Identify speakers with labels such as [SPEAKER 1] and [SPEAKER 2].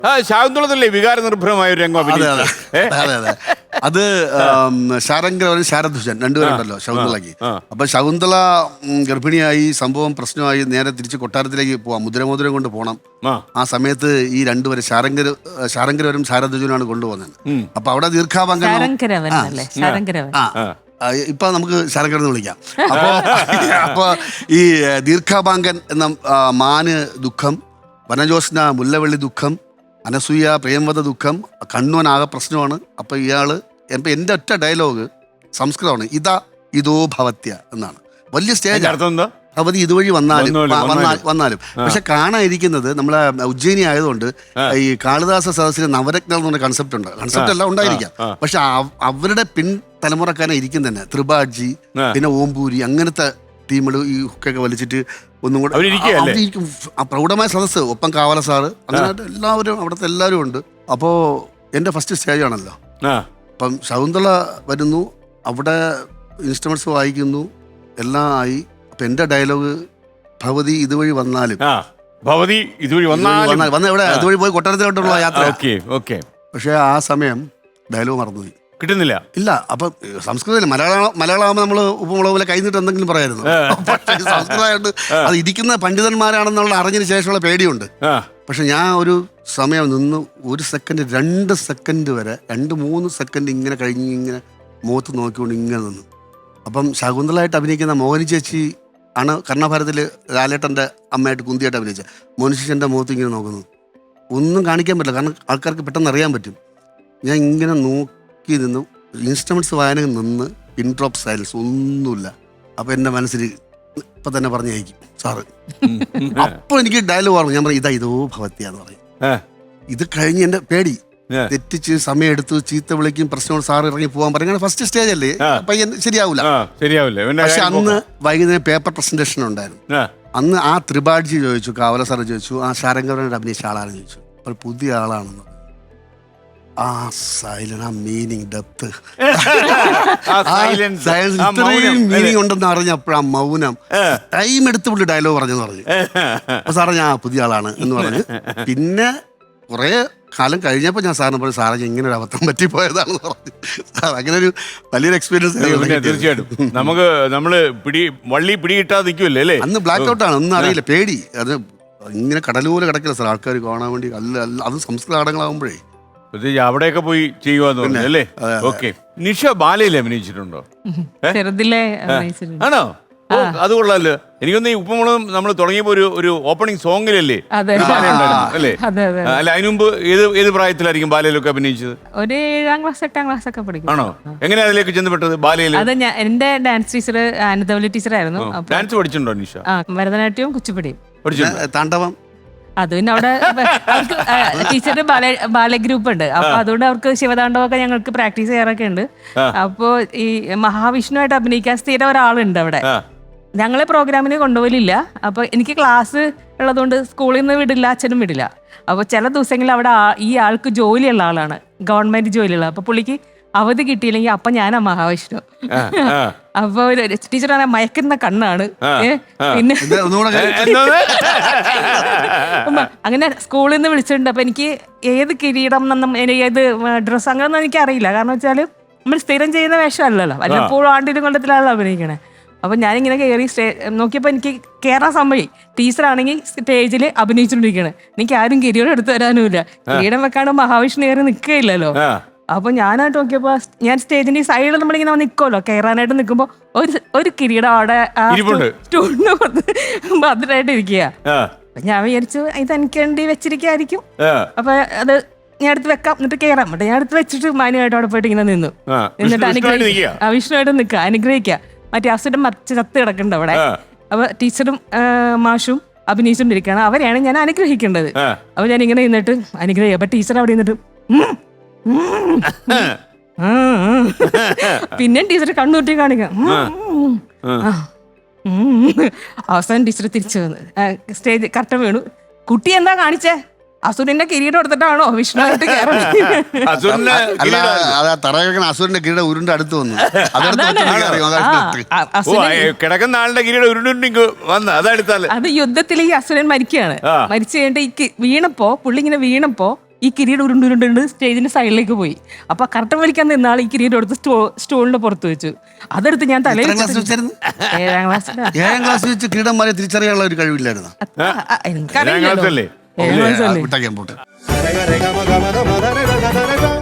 [SPEAKER 1] ശാകുന്തളത്തിലെ വികാര നിർഭരമായ ഒരു രംഗം
[SPEAKER 2] അതെ. അത് ശാരംഗരവനും ശാരധ്വജൻ രണ്ടുപേരുണ്ടല്ലോ ശകുന്തളയ്ക്ക്. അപ്പൊ ശകുന്തള ഗർഭിണിയായി, സംഭവം പ്രശ്നമായി, നേരെ തിരിച്ച് കൊട്ടാരത്തിലേക്ക് പോവാം, മുദ്രമോതിരം കൊണ്ട് പോകണം. ആ സമയത്ത് ഈ രണ്ടുപേരും ശാരംഗരവരും ശാരധ്വജനുമാണ് കൊണ്ടുപോകുന്നത്. അപ്പൊ അവിടെ ദീർഘാഭംഗം ഇപ്പൊ നമുക്ക് ശാരംഗരെന്ന് വിളിക്കാം. അപ്പൊ ഈ ദീർഘാഭാങ്കൻ എന്ന മാന് ദുഃഖം, വനജോസ്ന മുല്ലവള്ളി ദുഃഖം, അനസൂയ പ്രേമവത ദുഃഖം, കണ്ണുവനാകെ പ്രശ്നമാണ്. അപ്പൊ ഇയാള് എൻ്റെ ഒറ്റ ഡയലോഗ് സംസ്കൃതമാണ്, ഇതോ ഭവത്യ എന്നാണ്. വലിയ സ്റ്റേജ് ഭവതി ഇതുവഴി വന്നാലും പക്ഷെ കാണാതിരിക്കുന്നത് നമ്മളെ ഉജ്ജയിനി ആയതുകൊണ്ട് ഈ കാളിദാസ സദസ്സിന് നവരത്നം എന്ന് പറഞ്ഞ കൺസെപ്റ്റ് എല്ലാം ഉണ്ടായിരിക്കാം. പക്ഷെ അവരുടെ തലമുറക്കാരെ ഇരിക്കും തന്നെ ത്രിപാഠി, പിന്നെ ഓംപൂരി, അങ്ങനത്തെ ടീമുകൾ ഈ ഹുക്കൊക്കെ വലിച്ചിട്ട് ഒന്നും കൂടെ ആ പ്രൗഢമായ സദസ്സ്. ഒപ്പം കാവല സാറ്, അങ്ങനെ എല്ലാവരും അവിടുത്തെ എല്ലാവരും ഉണ്ട്. അപ്പോൾ എൻ്റെ ഫസ്റ്റ് സ്റ്റേജ് ആണല്ലോ. അപ്പം ശകുന്തള വരുന്നു, അവിടെ ഇൻസ്ട്രുമെന്റ്സ് വായിക്കുന്നു, എല്ലാം ആയി. അപ്പം എൻ്റെ ഡയലോഗ് ഭവതി ഇതുവഴി വന്നാലും ഇതുവഴി പോയി കൊട്ടാരത്തിലോട്ടുള്ള യാത്ര. പക്ഷെ ആ സമയം ഡയലോഗ് മറന്നുപോയി,
[SPEAKER 1] കിട്ടുന്നില്ല.
[SPEAKER 2] ഇല്ല. അപ്പൊ സംസ്കൃതം മലയാളമാകുമ്പോൾ നമ്മൾ ഉപ്പുമുളക് പോലെ കഴിഞ്ഞിട്ട് എന്തെങ്കിലും പറയായിരുന്നു. പക്ഷേ സംസ്കൃതമായിട്ട് അത് ഇരിക്കുന്ന പണ്ഡിതന്മാരാണെന്നുള്ള അറിഞ്ഞതിന് ശേഷമുള്ള പേടിയുണ്ട്. പക്ഷെ ഞാൻ ഒരു സമയം നിന്ന് 1 സെക്കൻഡ് 2 സെക്കൻഡ് വരെ 2-3 സെക്കൻഡ് ഇങ്ങനെ കഴിഞ്ഞ് ഇങ്ങനെ മുഖത്ത് നോക്കിക്കൊണ്ട് ഇങ്ങനെ നിന്നു. അപ്പം ശകുന്തളായിട്ട് അഭിനയിക്കുന്ന മോഹിനി ചേച്ചി ആണ് കർണഭാരതിൽ ലാലേട്ടൻ്റെ അമ്മയായിട്ട് കുന്തിയായിട്ട് അഭിനയിച്ച മോഹിനി ചേച്ചി എൻ്റെ മുഖത്ത് ഇങ്ങനെ നോക്കുന്നു. ഒന്നും കാണിക്കാൻ പറ്റില്ല, കാരണം ആൾക്കാർക്ക് പെട്ടെന്ന് അറിയാൻ പറ്റും. ഞാൻ ഇങ്ങനെ നോക്കി നിന്നു, ഇൻസ്ട്രുമെന്റ്സ് വായന നിന്ന്, ഇൻട്രോപ്പ് സൈലൻസ് ഒന്നുമില്ല. അപ്പം എൻ്റെ മനസ്സിൽ ഇപ്പം തന്നെ പറഞ്ഞയക്കും സാറ്. അപ്പോൾ എനിക്ക് ഡയലോഗ് പറഞ്ഞു. ഞാൻ പറഞ്ഞു ഇതോ ഭവത്യ എന്ന് പറയും. ഇത് കഴിഞ്ഞ് എൻ്റെ പേടി തെറ്റിച്ച് സമയം എടുത്തു, ചീത്ത വിളിക്കും, പ്രശ്നങ്ങൾ, സാറ് ഇറങ്ങി പോകാൻ പറയും. ഫസ്റ്റ് സ്റ്റേജ് അല്ലേ, പയ്യൻ ശരിയാവില്ല. പക്ഷെ അന്ന് വൈകുന്നേരം പേപ്പർ പ്രസന്റേഷൻ ഉണ്ടായിരുന്നു. അന്ന് ആ ത്രിപാഠി ചോദിച്ചു, കാവല സാറ് ചോദിച്ചു, ആ ശാരംഗവരനോട് അഭിനയിച്ച ആളാണെന്ന് ചോദിച്ചു. അപ്പോൾ പുതിയ ആളാണെന്ന്. ആ സൈലന്റ്, ആ മീനിങ്, ഡെപ്ത്, ഇത്രയും മീനിങ് ഉണ്ടെന്ന് അറിഞ്ഞപ്പോഴാ മൗനം. ടൈം എടുത്തുകൊണ്ട് ഡയലോഗ് പറഞ്ഞെന്ന് പറഞ്ഞു. അപ്പൊ സാറേ ഞാൻ പുതിയ ആളാണ് എന്ന് പറഞ്ഞു. പിന്നെ കുറെ കാലം കഴിഞ്ഞപ്പോൾ ഞാൻ സാറിന് പറഞ്ഞു, സാറേ ഇങ്ങനെ ഒരു അബദ്ധം പറ്റിപ്പോയതാണെന്ന് പറഞ്ഞു. സാർ അങ്ങനെ ഒരു വലിയൊരു എക്സ്പീരിയൻസ്.
[SPEAKER 1] തീർച്ചയായിട്ടും നമ്മള് വള്ളി പിടി കിട്ടാതെ നിൽക്കുമല്ലേ അല്ലേ.
[SPEAKER 2] അന്ന് ബ്ലാക്ക് ഔട്ടാണ്, ഒന്നും അറിയില്ല, പേടി. അത് ഇങ്ങനെ കടലുപോലെ കിടക്കില്ല സാർ, ആൾക്കാർ കാണാൻ വേണ്ടി. അത് സംസ്കൃത നാടകങ്ങളാകുമ്പോഴേ
[SPEAKER 1] അവിടെയൊക്കെ പോയി ചെയ്യുവാന്ന് പറഞ്ഞു അല്ലേ. ഓക്കെ. നിഷ ബാലയിൽ അഭിനയിച്ചിട്ടുണ്ടോ? ആണോ? അത് കൊള്ളാലോ. എനിക്കൊന്ന് ഈ ഉപ്പുമുളകും നമ്മൾ തുടങ്ങിയപ്പോ ഒരു ഓപ്പണിംഗ് സോങ്ങിലല്ലേ അല്ലേ? അല്ല, അതിനു മുമ്പ് ഏത് പ്രായത്തിലായിരിക്കും ബാലയിലൊക്കെ അഭിനയിച്ചത്?
[SPEAKER 3] ഒരു 7ാം ക്ലാസ് 8ാം ക്ലാസ് ഒക്കെ പഠിക്കും.
[SPEAKER 1] ആണോ? എങ്ങനെയാ അതിലേക്ക് ചെന്നപ്പെട്ടത് ബാലയിൽ?
[SPEAKER 3] അത് എന്റെ ഡാൻസ് ടീച്ചർ അനന്തവല്ലി ടീച്ചറായിരുന്നു.
[SPEAKER 1] ഡാൻസ് പഠിച്ചിട്ടുണ്ടോ നിഷ?
[SPEAKER 3] ഭരതനാട്യവും കുച്ചിപ്പുടിയും
[SPEAKER 2] പഠിച്ചിട്ടുണ്ട്. താണ്ഡവം
[SPEAKER 3] അത് പിന്നെ അവിടെ ടീച്ചറുടെ ബാലഗ്രൂപ്പ് ഉണ്ട്. അപ്പൊ അതുകൊണ്ട് അവർക്ക് ശിവതാണ്ഡവൊക്കെ ഞങ്ങൾക്ക് പ്രാക്ടീസ് ചെയ്യാറൊക്കെ ഉണ്ട്. അപ്പോ ഈ മഹാവിഷ്ണുവായിട്ട് അഭിനയിക്കാൻ സ്ഥിരം ഒരാളുണ്ട് അവിടെ. ഞങ്ങളെ പ്രോഗ്രാമിന് കൊണ്ടുപോലില്ല. അപ്പൊ എനിക്ക് ക്ലാസ് ഉള്ളതുകൊണ്ട് സ്കൂളിൽ നിന്ന് വിടില്ല, അച്ഛനും വിടില്ല. അപ്പൊ ചില ദിവസങ്ങളിൽ അവിടെ ഈ ആൾക്ക് ജോലിയുള്ള ആളാണ്, ഗവൺമെന്റ് ജോലിയുള്ള. അപ്പൊ പുള്ളിക്ക് അവധി കിട്ടിയില്ലെങ്കിൽ അപ്പൊ ഞാനാ മഹാവിഷ്ണു. അപ്പൊ ടീച്ചർ പറഞ്ഞ മയക്കുന്ന കണ്ണാണ്. പിന്നെ അങ്ങനെ സ്കൂളിൽ നിന്ന് വിളിച്ചിട്ടുണ്ട്. അപ്പൊ എനിക്ക് ഏത് കിരീടം എന്നൊന്നും ഏത് ഡ്രസ്സ് അങ്ങനെയൊന്നും എനിക്ക് അറിയില്ല. കാരണം വെച്ചാല് നമ്മൾ സ്ഥിരം ചെയ്യുന്ന വേഷമല്ലല്ലോ, വല്ലപ്പോഴും ആണ്ടിലും കൊല്ലത്തിലാണല്ലോ അഭിനയിക്കണേ. അപ്പൊ ഞാനിങ്ങനെ കയറി നോക്കിയപ്പോ എനിക്ക് കയറാൻ സംഭവം. ടീച്ചറാണെങ്കിൽ സ്റ്റേജിൽ അഭിനയിച്ചുകൊണ്ടിരിക്കണേ, എനിക്ക് ആരും കിരീടം എടുത്തു തരാനുമില്ല. കിരീടം വെക്കാണ്ട് മഹാവിഷ്ണു കയറി നിൽക്കുകയില്ലല്ലോ. അപ്പൊ ഞാനായിട്ട് നോക്കിയപ്പോ ഞാൻ സ്റ്റേജിന്റെ സൈഡിൽ നമ്മളിങ്ങനെ നിൽക്കുമല്ലോ, കയറാനായിട്ട് നിൽക്കുമ്പോ ഒരു കിരീടം അവിടെ സ്റ്റൂളിന് ഭദ്രമായിട്ട് ഇരിക്കുക. ഞാൻ വിചാരിച്ചു ഇത് എനിക്ക് വേണ്ടി വെച്ചിരിക്കായിരിക്കും. അപ്പൊ അത് ഞാൻ എടുത്ത് വെക്കാം, എന്നിട്ട് കയറാം. എന്നിട്ട് ഞാൻ എടുത്ത് വെച്ചിട്ട് മാന്യമായിട്ട് അവിടെ പോയിട്ട് ഇങ്ങനെ നിന്നു. എന്നിട്ട് വിഷ്ണുവായിട്ട് നിൽക്കുക, അനുഗ്രഹിക്കുക. മറ്റേ അസുരൻ ചത്ത് കിടക്കുന്നുണ്ട് അവിടെ. അപ്പൊ ടീച്ചറും മാഷും അഭിനയിച്ചുകൊണ്ടിരിക്കുകയാണ്. അവരെയാണ് ഞാൻ അനുഗ്രഹിക്കേണ്ടത്. അപ്പൊ ഞാൻ ഇങ്ങനെ നിന്നിട്ട് അനുഗ്രഹിക്കുക. അപ്പൊ ടീച്ചർ അവിടെ നിന്നിട്ട് പിന്നെ ടീച്ചർ കണ്ണൂട്ടി കാണിക്കാം. അവസാനം ടീച്ചർ തിരിച്ചു വന്ന് സ്റ്റേജ് കറക്റ്റ് വീണു. കുട്ടി എന്താ കാണിച്ചേ? അസുരന്റെ കിരീടം എടുത്തിട്ടാണോ വിഷ്ണുവായിട്ട്
[SPEAKER 2] അസുരന്റെ കിരീടം ഉരുണ്ട് അടുത്ത് വന്നു.
[SPEAKER 1] കിടക്കുന്ന ആളുടെ കിരീടം ഉരുണ്ടു വന്ന് അതെടുത്താൽ
[SPEAKER 3] അത് യുദ്ധത്തിൽ ഈ അസുരൻ മരിക്കുകയാണ്. മരിച്ചു കഴിഞ്ഞിട്ട് ഈ വീണപ്പോ പുള്ളി ഇങ്ങനെ വീണപ്പോ ഈ കിരീടം ഉരുണ്ടുരുണ്ട് സ്റ്റേജിന്റെ സൈഡിലേക്ക് പോയി. അപ്പൊ കർട്ടൻ വലിക്കാൻ നിന്ന ആൾ ഈ കിരീടം എടുത്ത് സ്റ്റോളിന്റെ പുറത്ത് വെച്ചു. അതെടുത്ത് ഞാൻ തലയിൽ
[SPEAKER 2] എത്രാം ക്ലാസ് വെച്ചായിരുന്നു?
[SPEAKER 3] 7ാം ക്ലാസ്സിലാ.
[SPEAKER 2] 7ാം ക്ലാസ് വെച്ച് കിരീടന്മാരെ തിരിച്ചറിയാനുള്ള ഒരു കഴിവില്ലായിരുന്നു.
[SPEAKER 3] എനിക്കറിയില്ലല്ലോ.
[SPEAKER 1] ക്ലാസ്സല്ലേ?
[SPEAKER 3] 7ാം ക്ലാസ്സല്ലേ?
[SPEAKER 2] വിട്ടാക്കിയാൻ പോട്ടെ.